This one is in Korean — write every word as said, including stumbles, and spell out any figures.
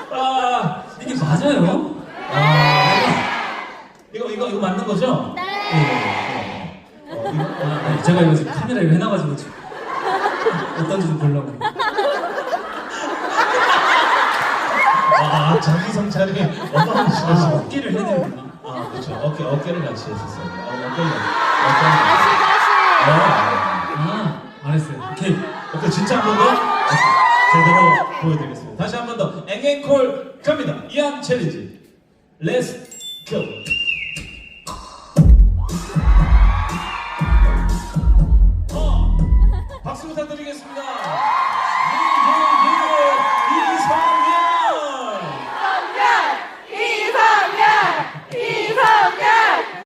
아, 이게 맞아요? 아, 이거 이거 이거 맞는 거죠? 네. 네. 어, 이거 아, 네, 제가 이거 지금 카메라 이거 해놔가지고 지금 어떤지 좀 보려고. 아, 자기 성찰이 아, 어마무시하시고. 어깨를 해드리구나. 아, 그렇죠. 어깨 어깨를 같이 했었어요. 어, 어깨를 다시 어깨. 다시. 어, 아, 안 했어요. 오케이. 오케이, 진짜 한 번 더 제대로 보여드리겠습니다. 다시 한 번 더 앵앵콜 갑니다. 이안 챌린지. Let's go. 어, 박수 부탁드리겠습니다.